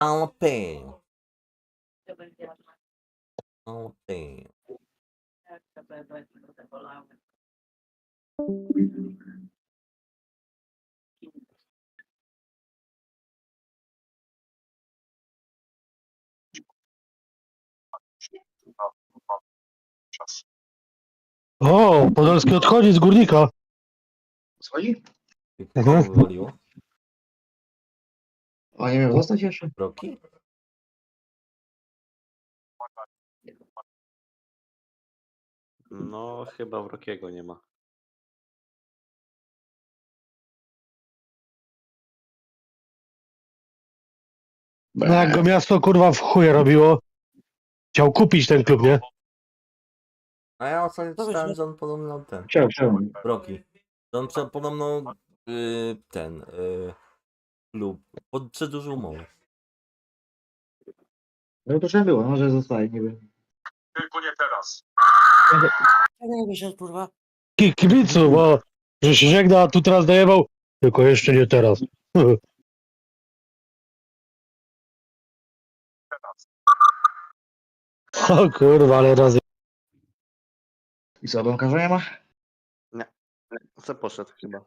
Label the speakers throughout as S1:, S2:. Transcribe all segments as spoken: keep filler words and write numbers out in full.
S1: Jalapeno. Jalapeno.
S2: O, Podolski odchodzi z Górnika.
S3: Schodzi?
S1: Kogo
S2: Mhm.
S1: wywaliło?
S3: A nie miał zostać jeszcze?
S1: Roki?
S4: No, chyba Wrokiego nie ma.
S2: No jak go miasto kurwa w chuje robiło. Chciał kupić ten klub, nie?
S1: A ja ostatnio czytałem, że on podobno ten.
S3: Chciałem, chciałem.
S1: Roki. Że on prze- podobno yy, ten yy, klub pod przedłużył umowę.
S3: No to trzeba było, może zostaje, nie wiem.
S5: Tylko nie teraz.
S6: Nie wyszedł, kurwa.
S2: Ki- Kibicu, bo że się żegna, a tu teraz dajewał. Tylko jeszcze nie teraz. O kurwa, ale razy.
S3: I co, bramkarza nie ma?
S4: Co poszedł chyba?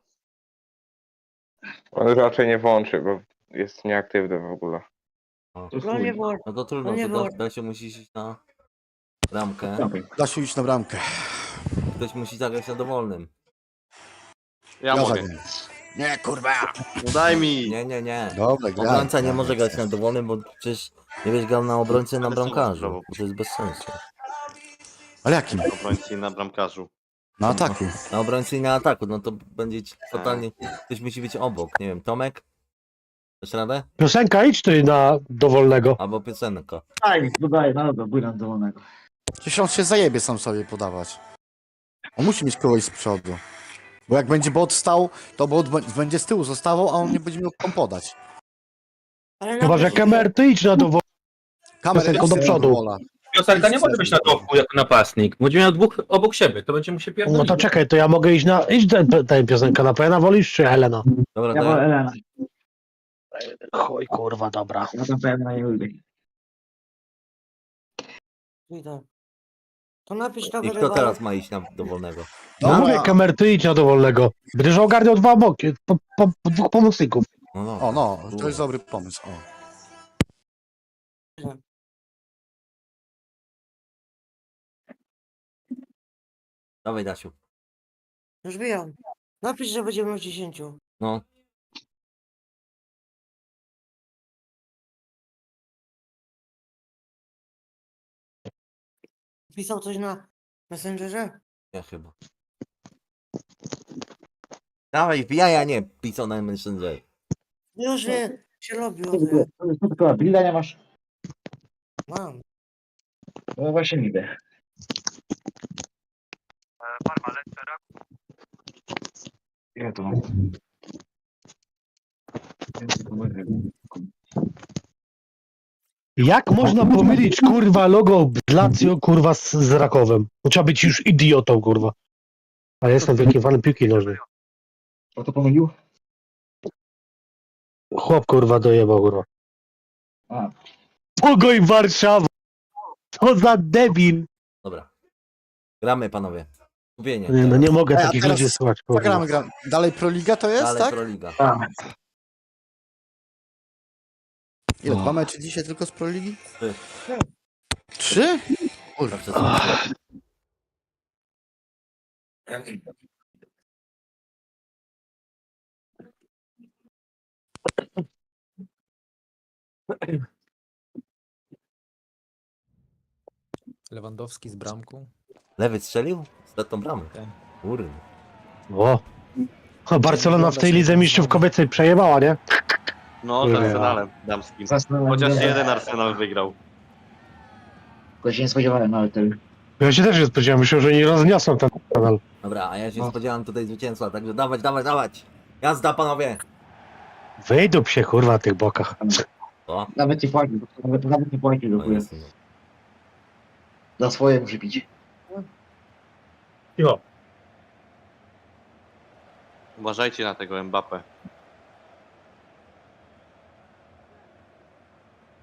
S7: On raczej nie włączy, bo jest nieaktywny w ogóle.
S1: O.
S3: To
S6: No nie
S3: chuj.
S6: było.
S1: No to trudno,
S6: No nie
S1: to
S6: było.
S1: da, da się musi iść na bramkę.
S3: Dawaj.
S8: Da się iść na bramkę.
S1: Ktoś musi zagrać na dowolnym.
S4: Ja,
S8: Ja
S4: mogę.
S8: zagram. Nie, kurwa!
S4: No daj mi!
S1: Nie, nie, nie.
S8: Dobra, graj.
S1: Obrońca nie
S8: graj.
S1: może grać na dowolnym, bo przecież nie wiesz grał na obrońcy na
S4: Ale są
S1: bramkarzu.
S4: zdrowo.
S1: Bo to jest bez sensu.
S8: Ale jakim?
S4: Obrońcy na bramkarzu.
S8: Na ataku.
S1: Na obrońcy i na ataku, no to będzie ci totalnie. Ktoś musi być obok. Nie wiem, Tomek? Dasz radę?
S2: Piosenka, idź ty na dowolnego.
S1: Albo piosenka.
S3: Daj, dodaję, no dobra, bójram dowolnego.
S8: Przecież on się zajebie sam sobie podawać. On musi mieć kogoś z przodu. Bo jak będzie bot stał, to bot b- będzie z tyłu zostawał, a on nie będzie miał komu podać.
S6: Ale
S2: Chyba, że
S6: napisz-
S2: Kemer, ty idź na dowolnego.
S8: Kamerę
S2: Piosenką do przodu.
S9: Piosenka nie może być na dołku jako napastnik. Będzie miał dwóch obok siebie, to będzie mu się pierdolić.
S2: No to czekaj, to ja mogę iść na. Idź ten, ten piosenka na Pena wolisz czy Helena?
S1: Dobra,
S3: Ja
S1: to
S3: wolę
S1: ja,
S3: Elena.
S2: Chuj kurwa, dobra.
S3: Ja tam Elena nie lubię.
S6: Idę. To napisz
S1: I
S6: kamerę.
S1: kto teraz ma iść na dowolnego?
S2: No mówię, Kemer, ty idź na dowolnego. Będziesz ogarniał dwa boki, po, po, po dwóch pomocników.
S1: No, no.
S8: O no, to jest dobry pomysł. O.
S1: Dawaj, Dasiu.
S6: Już bijam. Napisz, że będziemy w dziesięciu.
S1: No.
S6: Pisał coś na Messengerze?
S1: Ja chyba. Dawaj, wbijaj, a nie pisał na Messenger.
S6: Już nie, się robił.
S3: Co ty koła, Bilda nie masz?
S6: Mam.
S3: No właśnie niby.
S5: Parma, lecę,
S3: Ja to mam.
S2: Jak można pomylić kurwa logo Lazio kurwa z, z Rakowem? No, trzeba być już idiotą kurwa. A ja jestem wielkim fanem piłki nożnej.
S3: O to pomylił?
S2: Chłop kurwa dojebał kurwa.
S3: A.
S2: Pogoj Warszawa! Co za debil!
S1: Dobra. Gramy, panowie. Kupienie.
S2: Nie, no nie mogę
S8: Ej, a
S2: takich
S8: teraz
S2: ludzi słuchać kurwa.
S8: Zagramy, gram. Dalej Proliga to jest,
S1: Dalej
S8: tak?
S1: Proliga.
S3: Tak.
S8: Ile? Dwa mecze dzisiaj tylko z Proligi?
S1: Trzy.
S8: Trzy? Kurwa.
S1: Zawsze są trzy.
S10: Lewandowski z bramką.
S1: Lewy strzelił? Ostatnią bramę.
S10: Tak.
S1: Kurde.
S2: O. A Barcelona w tej lidze mistrzów kobiecej przejebała, nie?
S4: No, z
S2: Nie.
S4: Arsenalem damskim.
S3: Zasnąłem.
S4: Chociaż jeden Arsenal wygrał.
S3: Tylko się nie spodziewałem nawet tego.
S2: Ja się też nie spodziewałem, myślę, że nie rozniosą ten kanal.
S1: Dobra, a ja się
S3: No.
S1: spodziewam tutaj zwycięstwa, także dawać, dawać, dawać. Jazda, panowie.
S2: Wyjdą się kurwa na tych bokach.
S1: O,
S3: Nawet nie płaci, nawet, nawet nie płaci do
S1: no
S3: chuja.
S1: jest. no.
S3: Za swoje muszę pić.
S2: Jo.
S4: Uważajcie na tego Mbappé.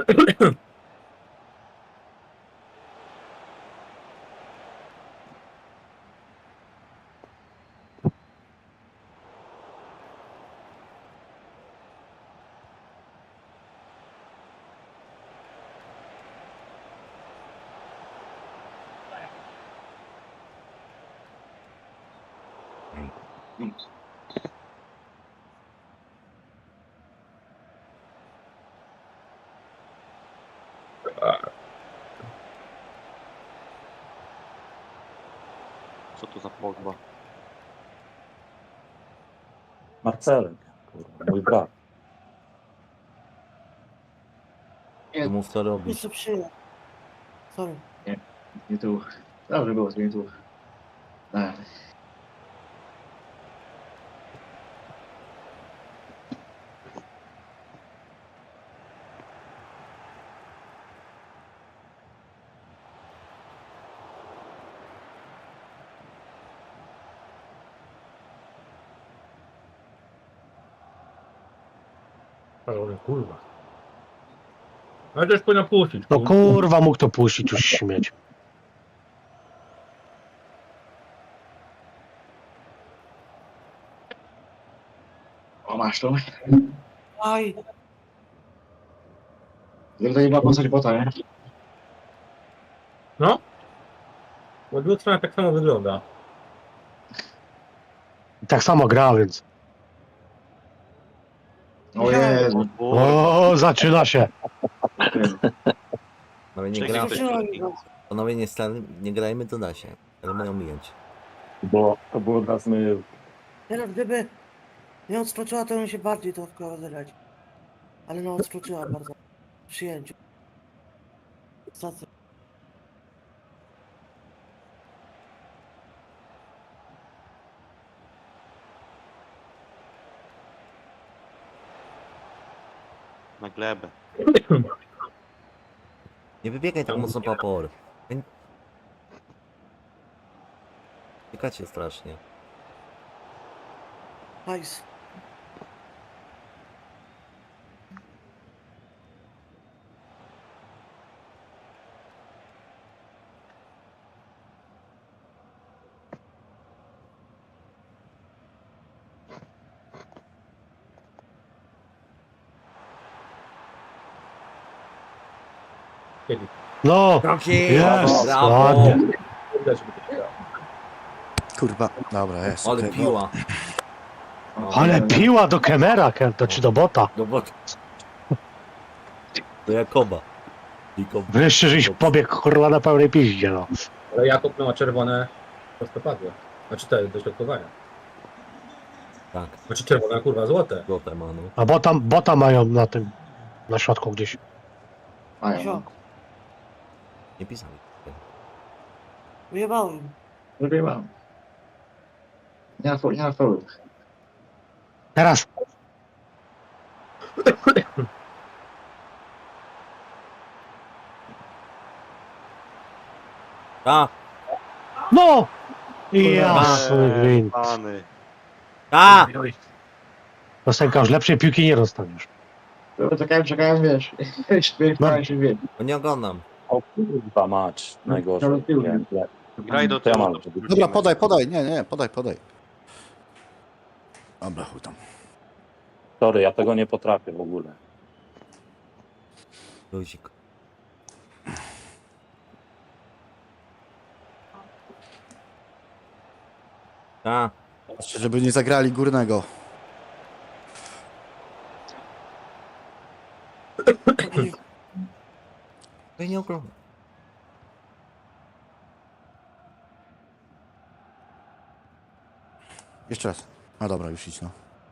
S4: Co to za Pogba?
S9: Marcelek, kurwa, mój brat.
S1: To mów co
S6: Nic
S1: robisz.
S6: co przyjął. Sorry.
S3: Nie tu. Dobrze było, nie tu. Tak.
S9: Ale kurwa. Ale też powinna puścić.
S2: No kurwa, mógł to puścić już śmieć.
S3: O, masz to.
S6: Aj,
S3: Gdyby to nie była postać bota, nie?
S9: No? Bo druga strona tak samo wygląda.
S2: I tak samo gra, więc.
S3: O Jezu.
S2: O, zaczyna się.
S1: Panowie nie,
S4: Czekaj,
S1: gra...
S4: ktoś
S6: Zaczęła
S4: drugi.
S6: go.
S1: Panowie nie, stan... nie grajmy, to da się. Ale mają mijać.
S9: Bo to było dla znajomych.
S6: Teraz gdyby nie odskoczyła, to bym się bardziej to rozegrać. Ale no odskoczyła bardzo. W przyjęciu. Stacja.
S4: Na glebę.
S1: Nie wybiegaj tak mocno papor. Czekacie strasznie.
S6: Nice.
S9: Kiedy?
S2: No,
S1: Kroki!
S2: jest,
S1: Brawo!
S2: ładnie.
S8: Kurwa, dobra, jest.
S1: Ale
S8: okej.
S1: piła.
S2: Ale piła do Kemera, to czy do bota.
S1: Do bot. Do Jakoba. Jakob.
S2: Wreszcie, żeś pobiegł kurwa na pełnej piździe, no.
S9: Ale Jakub ma czerwone prostopadłe. Znaczy te do środkowania.
S1: Tak,
S9: Znaczy czerwone, kurwa, złote.
S1: złote ma, no.
S2: A bota, bota mają na tym, na środku gdzieś.
S3: Mają.
S1: Nie pisali.
S6: Wyjebałem.
S3: Zrobię mam. Nie na fo- nie na forum.
S2: Teraz.
S1: A!
S2: No! Ja,
S1: Kurwa.
S2: gwint.
S4: Pany.
S1: A!
S2: Rostenka już lepszej piłki nie dostaniesz.
S3: Dobra, Czekałem, czekałem, wiesz. Śmiałem się, wiem.
S1: Bo nie oglądam.
S9: O kurwa mać, najgorzej.
S3: Ale tył.
S9: Nie, nie.
S4: Graj do
S9: To ja
S4: tyłu.
S9: mam, żeby-
S8: Dobra, podaj, podaj, nie, nie, podaj, podaj. Dobra, chuj tam.
S9: Sorry, ja tego nie potrafię w ogóle.
S1: Luzik. A!
S8: Patrzcie, żeby nie zagrali górnego.
S1: Ja nie oglądam.
S8: Jeszcze raz. No dobra, już idź no.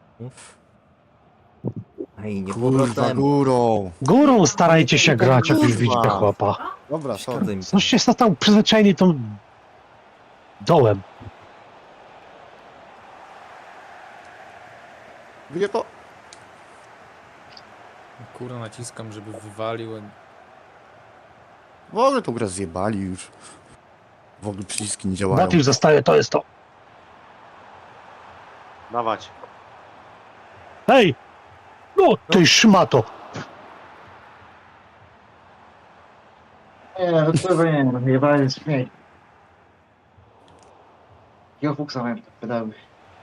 S1: Ej, nie
S8: Kurwa,
S1: powrotem.
S8: górą.
S2: Górą starajcie się grać, jak już
S1: Kurwa.
S2: widzicie chłopa.
S8: Dobra, sorry.
S1: Szkoda mi.
S2: Coście się tam przyzwyczajeni tą dołem.
S8: Wie to?
S10: Kurwa naciskam, żeby wywalił.
S8: W ogóle tą grę zjebali już. W ogóle przyciski nie działają.
S2: Bot już zostaje, to jest to.
S4: Dawać.
S2: Hej! No, ty szmato.
S3: Nie, no kurwa nie, no jebany śmiej. Ja fuksa miałem pedały.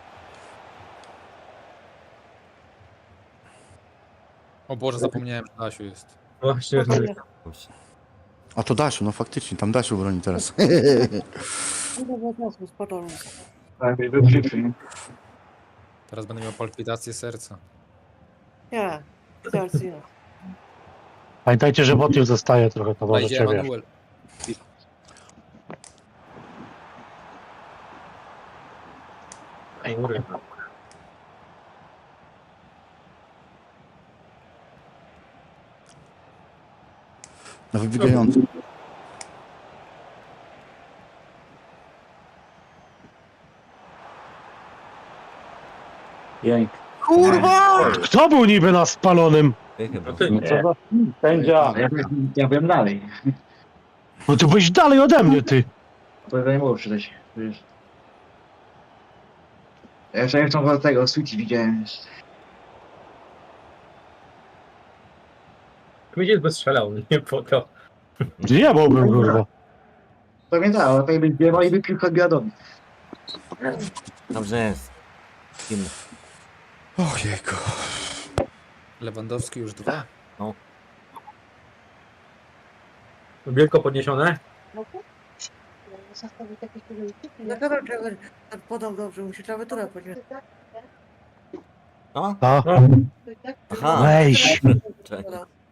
S10: O Boże, zapomniałem, że Dasiu jest.
S9: Właśnie,
S6: Spokojnie.
S1: Dobrze.
S8: A to Dasiu, no faktycznie, tam Dasiu broni teraz.
S6: Kurwa, czasu, spokojnie.
S3: Tak, był przyprzy, nie?
S10: Teraz będę miał palpitację serca.
S6: Nie, serce nie.
S2: Pamiętajcie, że bot już zostaje trochę, to
S10: Dobra, idzie
S2: możecie, wiesz.
S10: Emanuel.
S9: kurwa.
S8: Na wybiegający.
S3: Jęk.
S2: Kurwa! Kto był niby na spalonym?
S1: Ty chyba.
S9: No ty,
S3: Nie.
S7: Sędzia!
S3: Ja, byłem- ja byłem dalej.
S2: No ty byłeś dalej ode mnie, ty.
S3: To nie było przydać, wiesz. Ja jeszcze jak tam tego Switch widziałem jeszcze.
S9: Kmidziec by strzelał, nie po to.
S2: Nie byłbym, kurwa.
S3: Pamiętałem, ale tak by zbiewał i wypił odbiadowi.
S1: Dobrze jest. Kim?
S8: Ojejku.
S10: Lewandowski już dwa.
S9: Wielko podniesione?
S6: No dobra, trzeba, tak podał dobrze, musi klawiaturę podnieść.
S1: O?
S2: A,
S1: Aha.
S2: weź.
S1: Czekaj.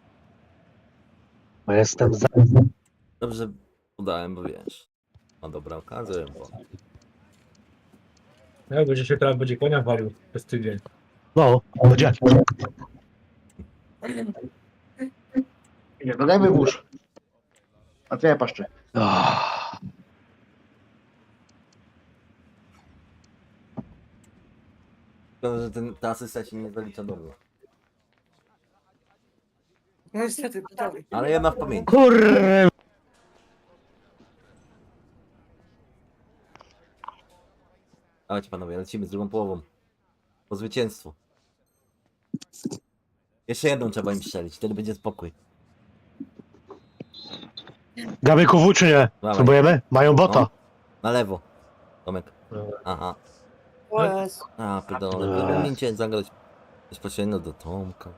S2: Bo jestem za...
S1: Dobrze udałem, bo wiesz. Ma dobra okazję, bo...
S9: Jak będzie się teraz będzie konia walił przez tydzień.
S2: No, będzie.
S3: Nie, dodajmy włóż. A co ja paszczę?
S2: Ah.
S1: Szkoda, że ten, ta asysta się nie zalicza do mnie.
S6: No niestety, gotowy.
S1: Ale ja mam w pamięci.
S2: Kurwa.
S1: Dawajcie panowie, lecimy z drugą połową. Po zwycięstwu. Jeszcze jedną trzeba im strzelić, wtedy będzie spokój.
S2: Gabyku w czy nie?
S1: Dawaj.
S2: Spróbujemy? Mają bota.
S1: No. Na lewo. Tomek.
S9: Dobra.
S1: Aha.
S6: O jest.
S1: A, pierdolę.
S2: Eee.
S1: Powinniście zagrać bezpośrednio do Tomka.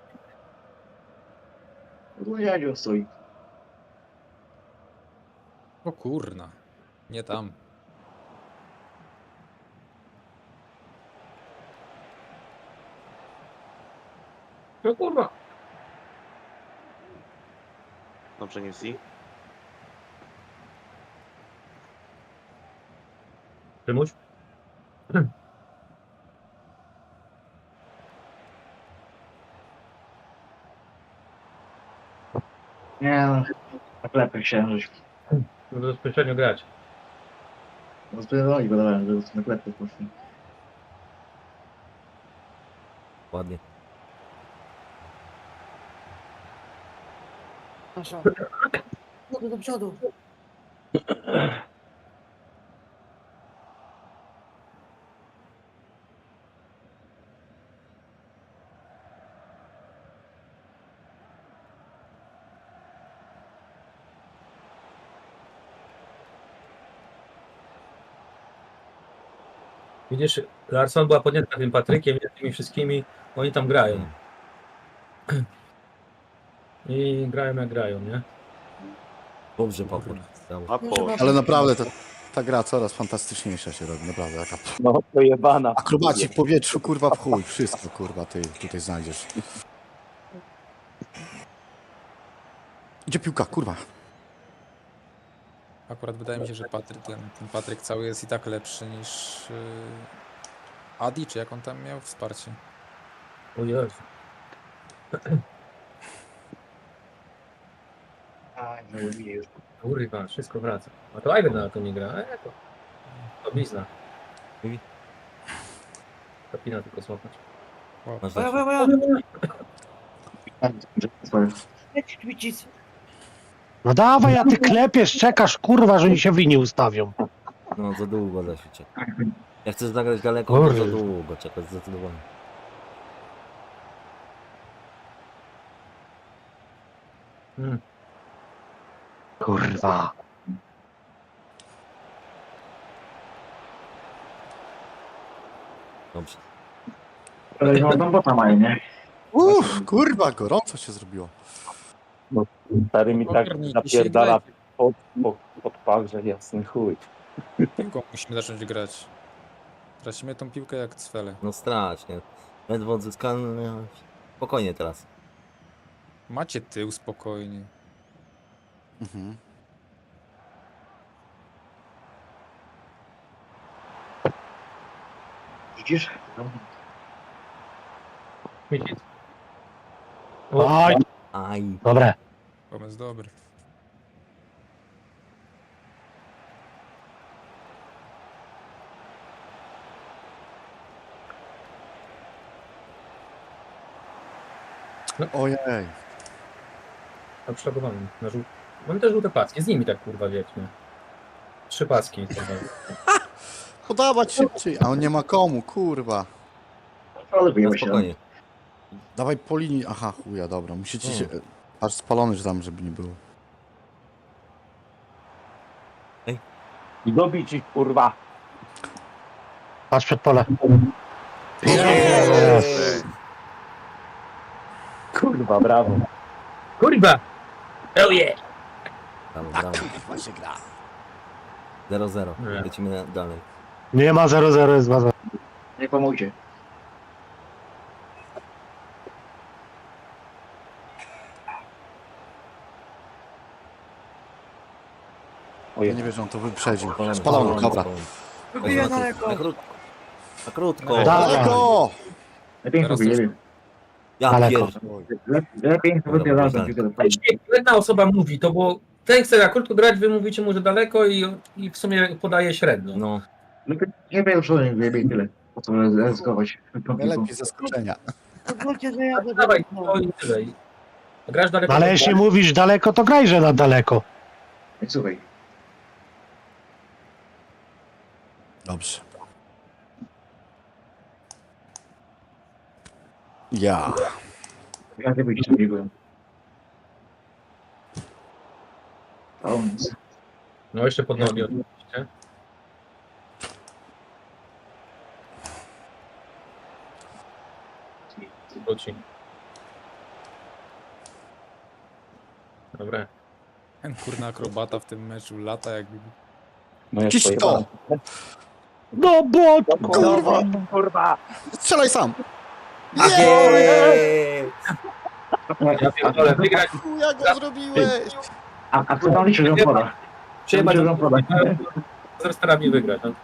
S3: Odłodziadziu stoi.
S10: O kurna. Nie tam.
S9: No kurwa.
S4: Dobrze, nie si.
S9: Przymuś?
S3: Nie no, tak lepiej chciałem, żeś
S9: No bezpośrednio grać.
S3: rozpierdoli go dałem, żeby na klepy poszli.
S1: Ładnie.
S6: Nasza. Do, do przodu.
S9: Widzisz, Larson była podjęta tym Patrykiem i tymi wszystkimi, oni tam grają. I grają jak grają, nie?
S1: Dobrze, Paweł. Brawo.
S4: A po.
S8: Ale naprawdę to, ta gra coraz fantastyczniejsza się robi, naprawdę. Jaka...
S7: No to jebana.
S8: Akrobaci w powietrzu, kurwa, w chuj. Wszystko, kurwa, ty tutaj znajdziesz. Gdzie piłka, kurwa?
S10: Akurat wydaje mi się, że Patryk, ten, ten Patryk cały jest i tak lepszy niż yy, Adi, czy jak on tam miał wsparcie.
S9: O Jezu.
S3: Aj, no i już.
S9: Kurwa, wszystko wraca. A to Ivan na to nie gra. E, to, to blizna.
S1: I?
S9: Kapina tylko złapać.
S1: Masz
S6: Moja,
S1: rację.
S6: moja, moja.
S3: Swoje.
S6: Leć, Kwicic.
S2: No dawaj, a ty klepiesz, czekasz, kurwa, że oni się winni ustawią.
S1: No, za długo da się czeka. Jak chcesz zagrać daleko, to za
S2: Kurde.
S1: długo czekać, zdecydowanie.
S9: Hmm.
S2: kurwa.
S1: Dobrze.
S3: Ale no, no bota mają, nie?
S8: Uff, kurwa, gorąco się zrobiło.
S7: Stary mi tak
S10: Ogarnij,
S7: napierdala pod, pod, pod pach, że jasny chuj.
S10: Piłką musimy zacząć grać. Tracimy tą piłkę jak cwele.
S1: No strasznie. Ledwo odzyskany. Spokojnie teraz.
S10: Macie tył spokojnie.
S8: Mhm.
S3: Widzisz?
S9: Widzisz?
S2: Oj,
S1: Aj.
S2: dobre.
S10: Pomysł dobry.
S8: Ojej.
S9: Na przeładowaniu. Na żół... Mam te żółte paski, z nimi tak kurwa wiecznie. Trzy paski.
S8: Podawać szybciej, a on nie ma komu, kurwa.
S3: Ale
S1: No
S3: wyjemy się.
S1: spokojnie.
S8: Dawaj po linii. Aha, chuja, dobra. Musicie się...
S1: Hmm.
S8: Aż spalony, że tam, żeby nie było.
S7: I dobić ich, kurwa.
S2: Patrz przed pole.
S8: Yes.
S7: Kurwa, brawo.
S9: Kurwa! Oh yeah!
S1: Brawo,
S8: Tak,
S1: brawo.
S8: kurwa się gra.
S1: zero zero.
S9: Nie.
S1: Lecimy na- dalej.
S2: Nie ma zero zero, jest dwa zero.
S3: Nie pomóżcie.
S8: Ja nie wierzę, on to wyprzedził.
S1: Spalony,
S8: Spalony, dobra.
S6: Wybiję
S1: Na
S6: daleko.
S1: krótko. Na krótko.
S2: Da-
S8: Daleko!
S3: Lepiej
S10: Teraz
S3: sobie,
S10: już-
S3: nie wiem.
S1: Ja
S2: Daleko.
S1: pier...
S3: Le- Lepiej sobie wypierdalać tą piłkę do przodu.
S9: Jeśli jedna osoba mówi to, bo ten chce na krótko grać, wy mówicie mu, że daleko i, i w sumie podaje średnio.
S1: No.
S3: Lepiej nie wiem, co nie lepiej tyle. Po co ryzykować tą piłką.
S8: Najlepiej zaskoczenia.
S6: Pozwólcie, że jadę
S9: Dawaj,
S6: daleko.
S9: to i tyle. I- Grasz daleko.
S2: No ale jeśli mówisz daleko, to grajże na daleko.
S3: Ej, słuchaj.
S8: Dobrze. Ja.
S3: Ja nie wyjść nie byłem. A on nic.
S9: No jeszcze pod nogi oczywiście. Wróci. Dobra.
S10: Ten kurna akrobata w tym meczu lata jak...
S7: No jest
S8: Ciś to!
S2: No bo,
S8: Kurwa!
S7: Kurwa!
S8: Strzelaj sam!
S1: Jeee!
S9: Ja pierdolę, wygrać.
S8: Chuja go zrobiłeś!
S3: A, a co tam liczy, że on poda?
S9: Przyjemać
S3: Liczy, że on poda.
S9: z starami wygrać. No.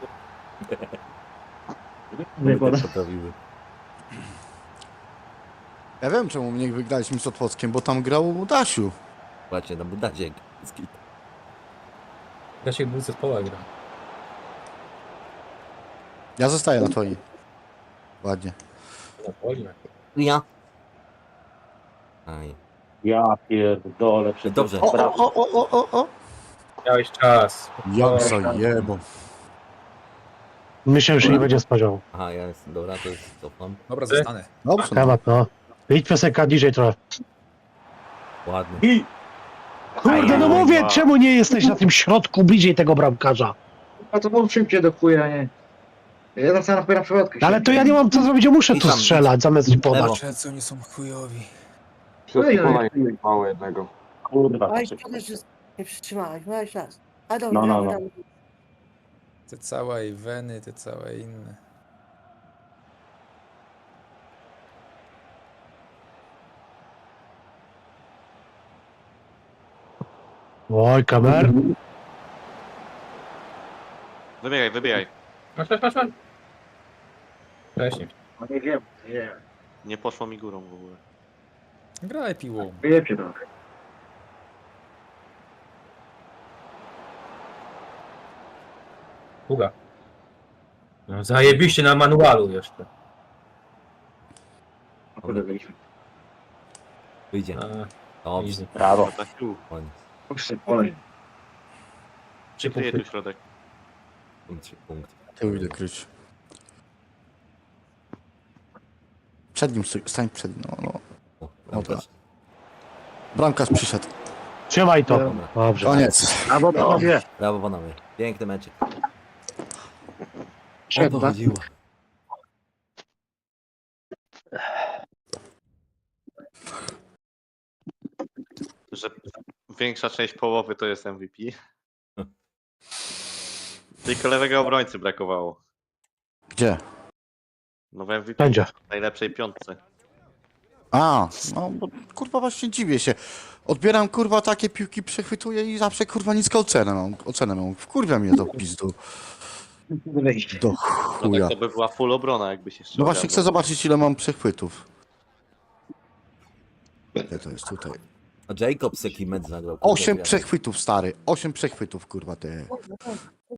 S3: Nie poda.
S1: Poprawiły.
S8: Ja wiem, czemu my nie wygraliśmy z Otwockiem, bo tam grał Dasiu.
S1: Właśnie, na budacie. Skit.
S9: Ja się był zespoła gra.
S8: Ja zostaję na twoi. Ładnie.
S9: Na poli.
S1: Ja. Aj.
S7: Ja pierdolę. Przed
S1: Dobrze.
S8: O, o, o, o, o, o!
S9: Miałeś czas.
S8: Jak zajebo.
S2: myślę, że nie będzie spodziewał.
S1: Aha, ja jest. Dobra, to jest cofam.
S10: Dobra, zostanę.
S8: Dobrze. No.
S2: Temat, no. Idź piosenka niżej trochę.
S1: Ładnie.
S7: I...
S2: Kurde, no mówię, czemu nie jesteś na tym środku bliżej tego bramkarza?
S3: A to mów szybciej do chuja, nie? Ja tam sam na przewodkę.
S2: Ale to ja nie mam co zrobić, ja muszę
S1: I
S2: tu
S1: tam-
S2: strzelać zamiast
S1: Lewo.
S2: podać.
S10: Patrzę, oni są chujowi.
S3: Oj, oj, oj.
S7: Mało jednego. Kurwa.
S6: Aj,
S7: to się-
S6: przede wszystkim nie przytrzymałeś, miałeś czas. A dobra,
S7: No, no,
S6: gramy
S7: no.
S6: dalej.
S10: Te całe i weny, te całe inne.
S2: Oj, kamer.
S4: Wybiegaj, wybiegaj.
S9: Masz, masz, masz, masz. Wcześniej.
S3: No nie wiem, nie.
S4: Nie poszło mi górą w ogóle.
S10: Graj piłą.
S3: Wyjebcie trochę.
S9: Długa. No, zajebiście na manualu jeszcze.
S3: No kurde, byliśmy.
S1: Wyjdzie.
S9: A,
S1: Dobrze.
S9: easy.
S7: Brawo.
S4: Tak tu.
S1: Koniec.
S3: Puszczę, polej.
S9: Trzy
S4: Kryję
S9: punkty.
S4: tu środek.
S1: Trzy punkty.
S8: Tył idę kryć. Przed nim stój, stań przed nim, no, no.
S1: O, bramkarz.
S8: Bramkarz przyszedł.
S2: Trzymaj to.
S1: Dobra.
S2: Dobrze.
S8: Koniec.
S3: Albo panowie.
S1: Brawo panowie. Piękny meczek. O
S3: Trzeba.
S1: to chodziło.
S4: Że większa część połowy to jest M V P. Tylko lewego obrońcy brakowało.
S8: Gdzie?
S4: No w M V P
S2: Będzie.
S4: najlepszej piątce.
S8: A, no bo kurwa właśnie dziwię się. Odbieram kurwa takie piłki, przechwytuję i zawsze kurwa niską ocenę mam. Ocenę mam. Wkurwia mnie to pizdu.
S3: Wyjść.
S8: Do
S4: No
S8: chuja.
S4: tak to by była full obrona, jakby się
S8: No właśnie chcę zobaczyć ile mam przechwytów. Gdzie to jest tutaj?
S1: A Jacobs jaki mecz zagrał. kurwa,
S8: Osiem
S1: wiatr.
S8: przechwytów stary. Osiem przechwytów kurwa te.